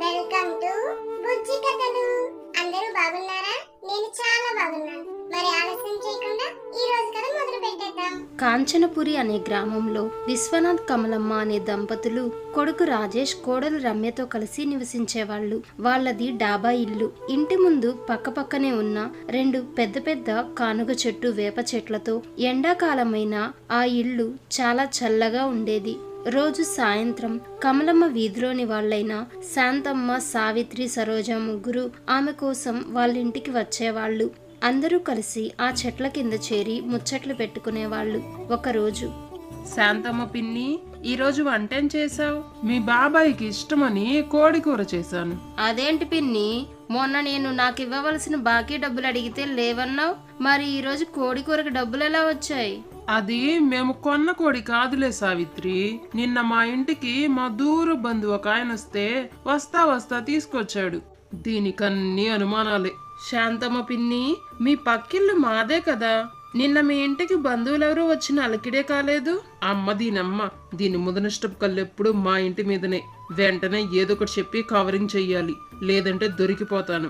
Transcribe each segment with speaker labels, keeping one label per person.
Speaker 1: Welcome to బుజ్జి కథలు. అందరూ బాగున్నారా? నేను చాలా బాగున్నాను. మరి ఆలస్యం చేయకుండా ఈ రోజు కథ మొదలు పెట్టేద్దాం.
Speaker 2: కాంచనపురి అనే గ్రామంలో విశ్వనాథ్ కమలమ్మ అనే దంపతులు కొడుకు రాజేష్ కోడలు రమ్యతో కలిసి నివసించేవాళ్ళు. వాళ్ళది డాబా ఇల్లు. ఇంటి ముందు పక్కపక్కనే ఉన్న రెండు పెద్ద పెద్ద కానుగ చెట్టు వేప చెట్లతో ఎండాకాలమైన ఆ ఇల్లు చాలా చల్లగా ఉండేది. రోజు సాయంత్రం కమలమ్మ వీధిలోని వాళ్ళైన శాంతమ్మ, సావిత్రి, సరోజ ముగ్గురు ఆమె కోసం వాళ్ళింటికి వచ్చేవాళ్ళు. అందరూ కలిసి ఆ చెట్ల కింద చేరి ముచ్చట్లు పెట్టుకునేవాళ్ళు. ఒకరోజు,
Speaker 3: శాంతమ్మ పిన్ని, ఈరోజు వంటేం చేసావు? మీ బాబాయికి ఇష్టమని కోడి కూర చేశాను.
Speaker 2: అదేంటి పిన్ని, మొన్న నేను నాకు ఇవ్వవలసిన బాకీ డబ్బులు అడిగితే లేవన్నావు, మరి ఈరోజు కోడి కూరకు డబ్బులు ఎలా వచ్చాయి?
Speaker 3: అది మేము కొన్న కోడి కాదులే సావిత్రి. నిన్న మా ఇంటికి మా దూర బంధువు ఒక ఆయన వస్తే వస్తా తీసుకొచ్చాడు. దీనికన్నీ అనుమానాలే. శాంతమ్మ పిన్ని, మీ పక్కిల్లు మాదే కదా. నిన్న మీ ఇంటికి బంధువులెవరూ వచ్చిన అలకిడే కాలేదు. దీని ముదనష్టపు కళ్ళెప్పుడు మా ఇంటి మీదనే. వెంటనే ఏదో ఒకటి చెప్పి కవరింగ్ చెయ్యాలి, లేదంటే దొరికిపోతాను.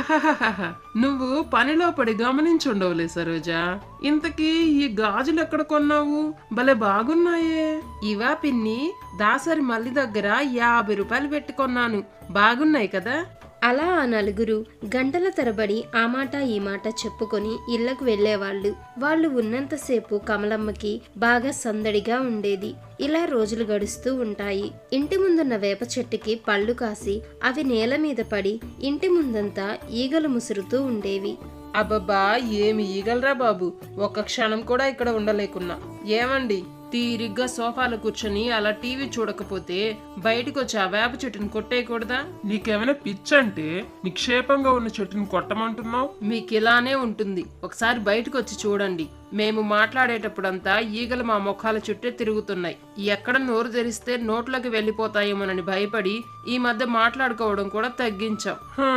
Speaker 3: నువ్వు పనిలో పడి గమనించుండవులే సరోజా. ఇంతకీ ఈ గాజులు ఎక్కడ కొన్నావు? భలే బాగున్నాయే. ఇవా పిన్ని, దాసరి మల్లి దగ్గర 50 రూపాయలు పెట్టి కొన్నాను. బాగున్నాయి కదా?
Speaker 2: అలా ఆ నలుగురు గంటల తరబడి ఆ మాట ఈ మాట చెప్పుకొని ఇళ్లకు వెళ్లేవాళ్లు. వాళ్ళు ఉన్నంతసేపు కమలమ్మకి బాగా సందడిగా ఉండేది. ఇలా రోజులు గడుస్తూ ఉంటాయి. ఇంటి ముందున్న వేప చెట్టుకి పళ్ళు కాసి అవి నేల మీద పడి ఇంటి ముందంతా ఈగలు ముసురుతూ ఉండేవి.
Speaker 3: అబ్బబ్బా, ఏమి ఈగలరా బాబు. ఒక్క క్షణం కూడా ఇక్కడ ఉండలేకున్నా. ఏమండి, తీరిగ్గా సోఫాలో కూర్చొని అలా టీవీ చూడకపోతే బయటకు వచ్చి ఆ వేప చెట్టుని కొట్టేయకూడదా?
Speaker 4: నీకేమైనా పిచ్చంటే నిక్షేపంగా ఉన్న చెట్టుని కొట్టమంటున్నావు?
Speaker 3: మీకు ఇలానే ఉంటుంది. ఒకసారి బయటకు వచ్చి చూడండి. మేము మాట్లాడేటప్పుడంతా ఈగలు మా ముఖాల చుట్టే తిరుగుతున్నాయి. ఎక్కడ నోరు తెరిస్తే నోట్లోకి వెళ్ళిపోతాయేమోనని భయపడి ఈ మధ్య మాట్లాడుకోవడం కూడా తగ్గించాం.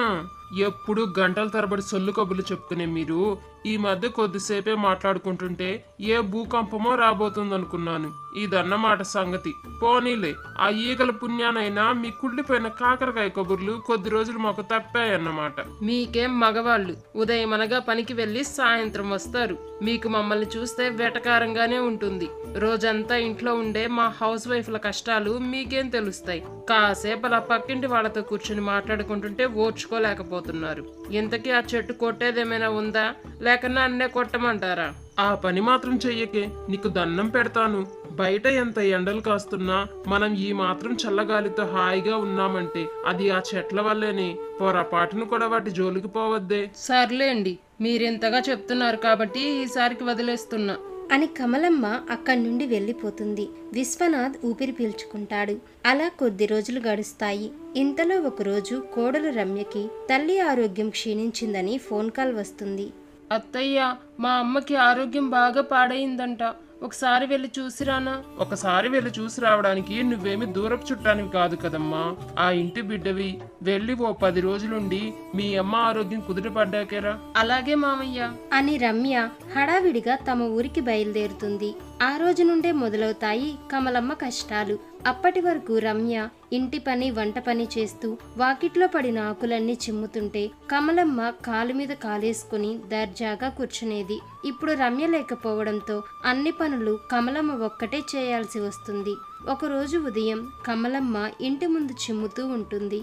Speaker 4: ఎప్పుడు గంటల తరబడి సొల్లు కబుర్లు చెప్పుకునే మీరు ఈ మధ్య కొద్దిసేపే మాట్లాడుకుంటుంటే ఏ భూకంపమో రాబోతుందనుకున్నాను. ఇదన్నమాట సంగతి. పోనీలే, ఆ ఈగల పుణ్యానైనా మీ కుళ్ళిపోయిన కాకరకాయ కబుర్లు కొద్ది రోజులు మాకు తప్పాయన్నమాట.
Speaker 3: మీకేం మగవాళ్ళు ఉదయం అనగా పనికి వెళ్లి సాయంత్రం వస్తారు. మీకు మమ్మల్ని చూస్తే వెటకారంగానే ఉంటుంది. రోజంతా ఇంట్లో ఉండే మా హౌస్ వైఫ్ల కష్టాలు మీకేం తెలుస్తాయి? కాసేపు అలా పక్కింటి వాళ్ళతో కూర్చుని మాట్లాడుకుంటుంటే ఓర్చుకోలేకపోతున్నారు. ఇంతకీ ఆ చెట్టు కొట్టేదేమైనా ఉందా, లేక నన్నే కొట్టమంటారా?
Speaker 4: ఆ పని మాత్రం చెయ్యకే, నీకు దండం పెడతాను. బయట ఎంత ఎండలు కాస్తున్నా మనం ఈ మాత్రం చల్లగాలితో హాయిగా ఉన్నామంటే అది ఆ చెట్ల వల్లేనే. పొరపాటును కూడా వాటి జోలికి పోవద్దే.
Speaker 3: సర్లేండి, మీరింతగా చెప్తున్నారు కాబట్టి ఈసారికి వదిలేస్తున్నా
Speaker 2: అని కమలమ్మ అక్కడి నుండి వెళ్ళిపోతుంది. విశ్వనాథ్ ఊపిరి పీల్చుకుంటాడు. అలా కొద్ది రోజులు గడుస్తాయి. ఇంతలో ఒకరోజు కోడలు రమ్యకి తల్లి ఆరోగ్యం క్షీణించిందని ఫోన్ కాల్ వస్తుంది.
Speaker 3: అత్తయ్య, మా అమ్మకి ఆరోగ్యం బాగా పాడైందంట. ఒకసారి వెళ్ళి చూసిరానా?
Speaker 4: ఒకసారి వెళ్ళి చూసి రావడానికి నువ్వేమి దూరపు చుట్టానివి కాదు కదమ్మా. ఆ ఇంటి బిడ్డవి. వెళ్ళి ఓ 10 రోజులుండి మీ అమ్మ ఆరోగ్యం కుదుటపడ్డాకేరా.
Speaker 3: అలాగే మామయ్య
Speaker 2: అని రమ్య హడావిడిగా తమ ఊరికి బయలుదేరుతుంది. ఆ రోజు నుండే మొదలవుతాయి కమలమ్మ కష్టాలు. అప్పటి వరకు రమ్య ఇంటి పని, వంట పని చేస్తూ వాకిట్లో పడిన ఆకులన్నీ చిమ్ముతుంటే కమలమ్మ కాలు మీద కాలేసుకుని దర్జాగా కూర్చునేది. ఇప్పుడు రమ్య లేకపోవడంతో అన్ని పనులు కమలమ్మ ఒక్కటే చేయాల్సి వస్తుంది. ఒకరోజు ఉదయం కమలమ్మ ఇంటి ముందు చిమ్ముతూ ఉంటుంది.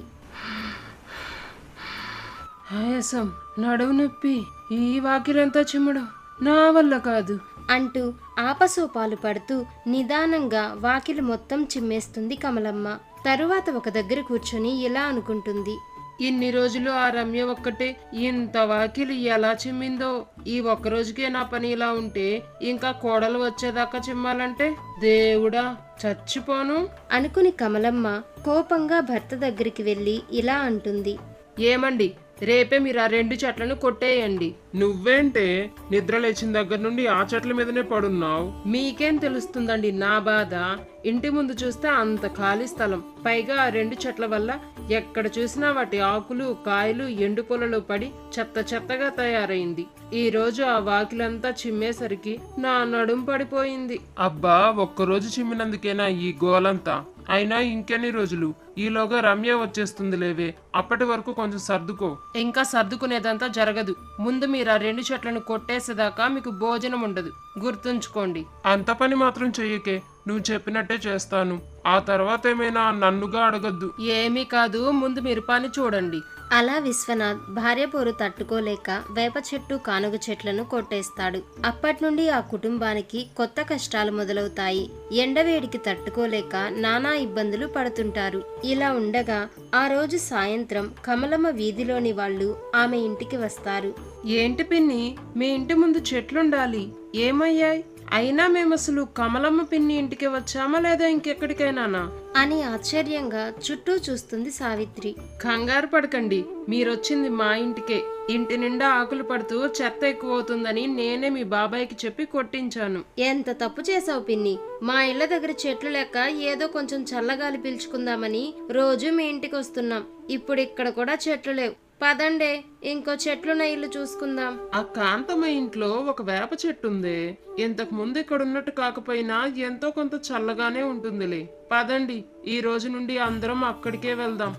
Speaker 3: ఆయాసం, నడువు నొప్పి, ఈ వాకిలంతా చిమ్మడం నా వల్ల కాదు
Speaker 2: అంటూ ఆపసోపాలు పడుతూ నిదానంగా వాకిలి మొత్తం చిమ్మేస్తుంది కమలమ్మ. తరువాత ఒక దగ్గర కూర్చొని ఇలా అనుకుంటుంది.
Speaker 3: ఇన్ని రోజులు ఆ రమ్య ఒక్కటే ఇంత వాకిలి ఎలా చిమ్మిందో. ఈ ఒక్కరోజుకే నా పని ఇలా ఉంటే ఇంకా కోడలు వచ్చేదాకా చిమ్మాలంటే దేవుడా, చచ్చిపోను
Speaker 2: అనుకుని కమలమ్మ కోపంగా భర్త దగ్గరికి వెళ్ళి ఇలా అంటుంది.
Speaker 3: ఏమండి, రేపే మీరు ఆ 2 చెట్లను కొట్టేయండి.
Speaker 4: నువ్వేంటే నిద్ర లేచిన దగ్గర నుండి ఆ చెట్ల మీదనే పడున్నావు?
Speaker 3: మీకేం తెలుస్తుందండి నా బాధ? ఇంటి ముందు చూస్తే అంత ఖాళీ స్థలం, పైగా ఆ 2 చెట్ల వల్ల ఎక్కడ చూసినా వాటి ఆకులు కాయలు ఎండు పొలలో పడి చెత్త చెత్తగా తయారైంది. ఈ రోజు ఆ వాకిలంతా చిమ్మేసరికి నా నడుం పడిపోయింది.
Speaker 4: అబ్బా, ఒక్కరోజు చిమ్మినందుకేనా ఈ గోలంతా? అయినా ఇంకెన్ని రోజులు? ఈలోగా రమ్య వచ్చేస్తుంది లేవే, అప్పటి వరకు కొంచెం సర్దుకో.
Speaker 3: ఇంకా సర్దుకునేదంతా జరగదు. ముందు మీరు ఆ 2 చెట్లను కొట్టేసేదాకా మీకు భోజనం ఉండదు, గుర్తుంచుకోండి.
Speaker 4: అంత పని మాత్రం చెయ్యకే, నువ్వు చెప్పినట్టే చేస్తాను. ఆ తర్వాత ఏమైనా నన్నుగా అడగద్దు.
Speaker 3: ఏమీ కాదు, ముందు మీరు పని చూడండి.
Speaker 2: అలా విశ్వనాథ్ భార్య పోరు తట్టుకోలేక వేప చెట్టు కానుగ చెట్లను కొట్టేస్తాడు. అప్పటి నుండి ఆ కుటుంబానికి కొత్త కష్టాలు మొదలవుతాయి. ఎండవేడికి తట్టుకోలేక నానా ఇబ్బందులు పడుతుంటారు. ఇలా ఉండగా ఆ రోజు సాయంత్రం కమలమ్మ వీధిలోని వాళ్ళు ఆమె ఇంటికి వస్తారు.
Speaker 3: ఏంటి పిన్ని, మీ ఇంటి ముందు చెట్లుండాలి, ఏమయ్యాయి? అయినా మేము అసలు కమలమ్మ పిన్ని ఇంటికి వచ్చామా లేదా ఇంకెక్కడికైనానా
Speaker 2: అని ఆశ్చర్యంగా చుట్టూ చూస్తుంది సావిత్రి.
Speaker 3: కంగారు పడకండి, మీరొచ్చింది మా ఇంటికే. ఇంటి నిండా ఆకులు పడుతూ చెత్త ఎక్కువ అవుతుందని నేనే మీ బాబాయ్కి చెప్పి కొట్టించాను.
Speaker 2: ఎంత తప్పు చేసావు పిన్ని. మా ఇళ్ల దగ్గర చెట్లు లెక్క ఏదో కొంచెం చల్లగాలి పీల్చుకుందామని రోజు మీ ఇంటికి వస్తున్నాం. ఇప్పుడు ఇక్కడ కూడా చెట్లు లేవు. పదండే, ఇంకో చెట్లున్న ఇల్లు చూసుకుందాం.
Speaker 3: ఆ కాంతమ్మ ఇంట్లో ఒక వేప చెట్టు ఉందే, ఇంతకు ముందు ఇక్కడ ఉన్నట్టు కాకపోయినా ఎంతో కొంత చల్లగానే ఉంటుందిలే. పదండి, ఈ రోజు నుండి అందరం అక్కడికే వెళ్దాం.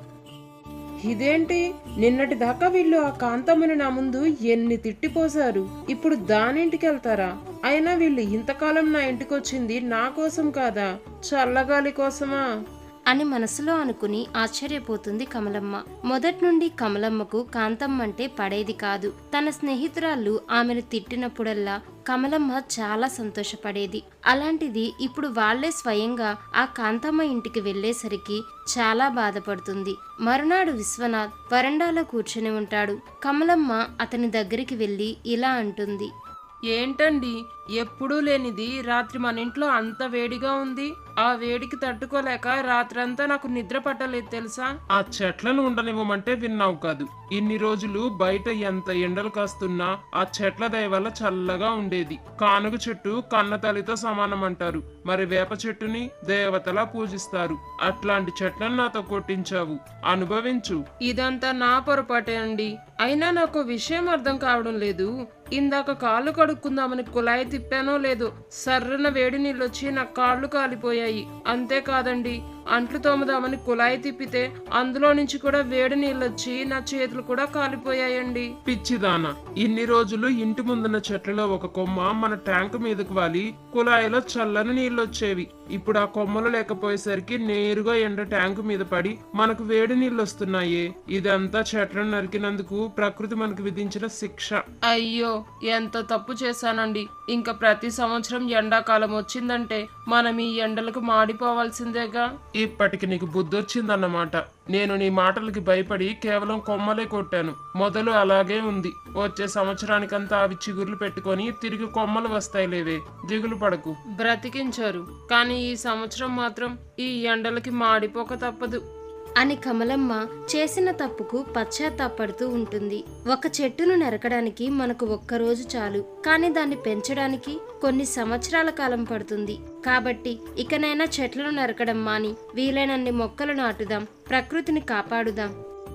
Speaker 3: ఇదేంటి, నిన్నటి దాకా వీళ్ళు ఆ కాంతమ్మని నా ముందు ఎన్ని తిట్టిపోసారు, ఇప్పుడు దానింటికి వెళ్తారా? అయినా వీళ్ళు ఇంతకాలం నా ఇంటికి వచ్చింది నా కోసం కాదా, చల్లగాలి కోసమా
Speaker 2: అని మనసులో అనుకుని ఆశ్చర్యపోతుంది కమలమ్మ. మొదటి నుండి కమలమ్మకు కాంతమ్మ అంటే పడేది కాదు. తన స్నేహితురాళ్ళు ఆమెను తిట్టినప్పుడల్లా కమలమ్మ చాలా సంతోషపడేది. అలాంటిది ఇప్పుడు వాళ్లే స్వయంగా ఆ కాంతమ్మ ఇంటికి వెళ్లేసరికి చాలా బాధపడుతుంది. మరునాడు విశ్వనాథ్ వరండాలో కూర్చుని ఉంటాడు. కమలమ్మ అతని దగ్గరికి వెళ్లి ఇలా అంటుంది.
Speaker 3: ఏంటండి, ఎప్పుడూ లేనిది రాత్రి మన ఇంట్లో అంత వేడిగా ఉంది. ఆ వేడికి తట్టుకోలేక రాత్రంతా నాకు నిద్ర పట్టలేదు తెలుసా.
Speaker 4: ఆ చెట్లను ఉండనివ్వమంటే విన్నావు కాదు. ఇన్ని రోజులు బయట ఎంత ఎండలు కాస్తున్నా ఆ చెట్ల దయ వల్ల చల్లగా ఉండేది. కానుగ చెట్టు కన్న తల్లితో సమానం అంటారు, మరి వేప చెట్టుని దేవతలా పూజిస్తారు. అట్లాంటి చెట్లను నాతో కొట్టించావు, అనుభవించు.
Speaker 3: ఇదంతా నా పొరపాటే అండి. అయినా నాకు విషయం అర్థం కావడం లేదు. ఇందాక కాళ్ళు కడుక్కుందామని కుళాయి తిప్పానో లేదో సర్రన వేడి నీళ్ళు వచ్చి నా కాళ్ళు కాలిపోయాయి. అంతేకాదండి, అంట్లు తోమదామని కుళాయి తిప్పితే అందులో నుంచి కూడా వేడి నీళ్ళు వచ్చి నా చేతులు కూడా కాలిపోయాయండి.
Speaker 4: పిచ్చిదానా, ఇన్ని రోజులు ఇంటి ముందున్న చెట్లలో ఒక కొమ్మ మన ట్యాంక్ మీదకు వాలి కుళాయిలో చల్లని నీళ్ళు వచ్చేవి. ఇప్పుడు ఆ కొమ్మలు లేకపోయేసరికి నేరుగా ఎండ ట్యాంకు మీద పడి మనకు వేడి నీళ్ళు వస్తున్నాయే. ఇదంతా చెట్లను నరికినందుకు ప్రకృతి మనకు విధించిన శిక్ష.
Speaker 3: అయ్యో, ఎంత తప్పు చేశానండి. ఇంకా ప్రతి సంవత్సరం ఎండాకాలం వచ్చిందంటే మనం ఈ ఎండలకు మాడిపోవాల్సిందేగా.
Speaker 4: ఇప్పటికి నీకు బుద్ధొచ్చిందన్నమాట. నేను నీ మాటలకి భయపడి కేవలం కొమ్మలే కొట్టాను. మొదలు అలాగే ఉంది. వచ్చే సంవత్సరానికంతా అవి చిగుర్లు పెట్టుకొని తిరిగి కొమ్మలు వస్తాయిలేవే, దిగులు పడకు.
Speaker 3: బ్రతికించారు, కానీ ఈ సంవత్సరం మాత్రం ఈ ఎండలకి మాడిపోక తప్పదు
Speaker 2: అని కమలమ్మ చేసిన తప్పుకు పశ్చాత్తాపడుతూ ఉంటుంది. ఒక చెట్టును నరకడానికి మనకు ఒక్కరోజు చాలు, కానీ దాన్ని పెంచడానికి కొన్ని సంవత్సరాల కాలం పడుతుంది. కాబట్టి ఇకనైనా చెట్లను నరకడం మాని వీలైనన్ని మొక్కలు నాటుదాం, ప్రకృతిని కాపాడుదాం.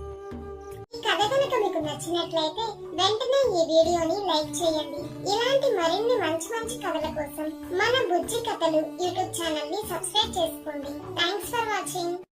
Speaker 1: ఈ కథ కనుక మీకు నచ్చినట్లయితే వెంటనే ఈ వీడియోని లైక్ చేయండి. ఇలాంటి మరిన్ని మంచి మంచి కథల కోసం మన బుజ్జి కథలు యూట్యూబ్ ఛానల్ ని సబ్స్క్రైబ్ చేసుకోండి. Thanks for watching.